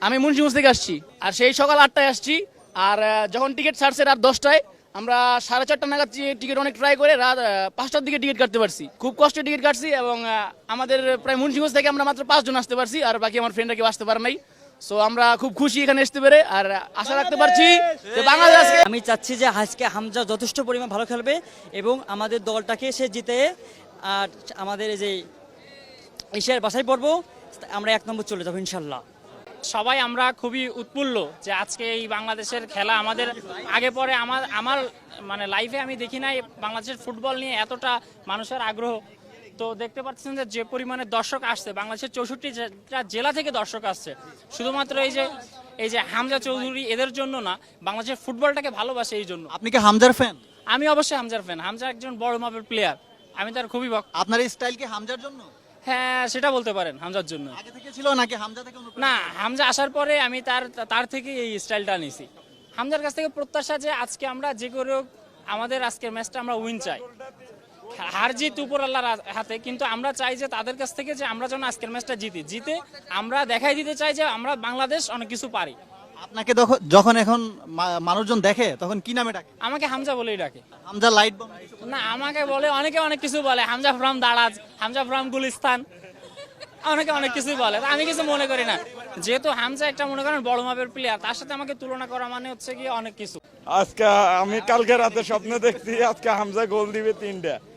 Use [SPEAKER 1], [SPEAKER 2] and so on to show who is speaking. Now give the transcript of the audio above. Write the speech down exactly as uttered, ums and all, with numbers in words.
[SPEAKER 1] আমি মুন্সিগঞ্জ থেকে আসছি, আর সেই সকাল আটটায় আসছি। আর আহ, যখন টিকিট ছাড়ছে রাত দশটায়, আমরা সাড়ে চারটা নাগাদ টিকিট অনেক ট্রাই করে রাত আহ, পাঁচটার দিকে টিকিট কাটতে পারছি। খুব কষ্টে টিকিট কাটছি, এবং আহ, আমাদের প্রায় মুন্সিগঞ্জ থেকে আমরা মাত্র পাঁচজন আসতে পারছি, আর বাকি আমার ফ্রেন্ডরা কেউ আসতে পারে নাই। সো আমরা খুব খুশি এখানে আসতে পেরে, আর আশা রাখতে পারছি যে বাংলাদেশ।
[SPEAKER 2] আমি চাচ্ছি যে আজকে হামজা যথেষ্ট পরিমাণ ভালো খেলবে এবং আমাদের দলটাকে সে জিতে আর আমাদের এই যে এশিয়ার বাছাই পর্ব আমরা এক নম্বর চলে যাবো ইনশাল্লাহ।
[SPEAKER 3] সবাই আমরা খুবই উৎফুল্ল যে আজকে এই বাংলাদেশের খেলা আমাদের আগে পরে আমার আমার মানে লাইফে আমি দেখি নাই বাংলাদেশের ফুটবল নিয়ে এতটা মানুষের আগ্রহ। তো দেখতে পাচ্ছেন যে যে পরিমাণে দর্শক আসছে, বাংলাদেশের চৌষট্টি জেলা থেকে দর্শক আসছে শুধুমাত্র এই যে এই যে হামজা চৌধুরী এদের জন্য না, বাংলাদেশের ফুটবলটাকে ভালোবাসে এই জন্য।
[SPEAKER 4] আপনি কি হামজার ফ্যান?
[SPEAKER 3] আমি অবশ্যই হামজার ফ্যান। হামজা একজন বড় মাপের প্লেয়ার, আমি তার খুবই ভক্ত।
[SPEAKER 4] আপনার এই স্টাইল কি হামজার জন্য?
[SPEAKER 3] হ্যাঁ, সেটা বলতে পারেন হামজার জন্য।
[SPEAKER 4] আগে থেকে ছিল নাকি হামজা থেকে অনুপ্রাণিত?
[SPEAKER 3] না, হামজা আসার পরে আমি তার তার থেকে এই স্টাইলটা নিয়েছি। হামজার কাছ থেকে প্রত্যাশা যে আজকে আমরা যে করে হোক আমাদের আজকের ম্যাচটা আমরা উইন চাই। হার জিত উপর আল্লাহর হাতে, কিন্তু আমরা চাই যে তাদের কাছ থেকে যে আমরা যেন আজকের ম্যাচটা জিতি জিতে আমরা দেখাই দিতে চাই যে আমরা বাংলাদেশ অনেক কিছু পারি।
[SPEAKER 4] আপনাকে যখন- যখন এখন মা- মানুষজন দেখে তখন কি নামে ডাকে?
[SPEAKER 3] আমাকে হামজা বলেই ডাকে।
[SPEAKER 4] Hamza light bomb?
[SPEAKER 3] না, আমাকে বলে অনেকে অনেক কিছু বলে, হামজা ফ্রম দারাজ, হামজা ফ্রম গুলিস্তান, অনেকে অনেক কিছুই বলে। আমি কিছু মনে করি না, যেহেতু হামজা একটা মনে করেন বড় মাপের প্লেয়ার, তার সাথে আমাকে তুলনা করা মানে হচ্ছে কি অনেক কিছু।
[SPEAKER 5] আজকে আমি কালকে রাতে স্বপ্ন দেখছি আজকে হামজা গোল দিবে তিনটা।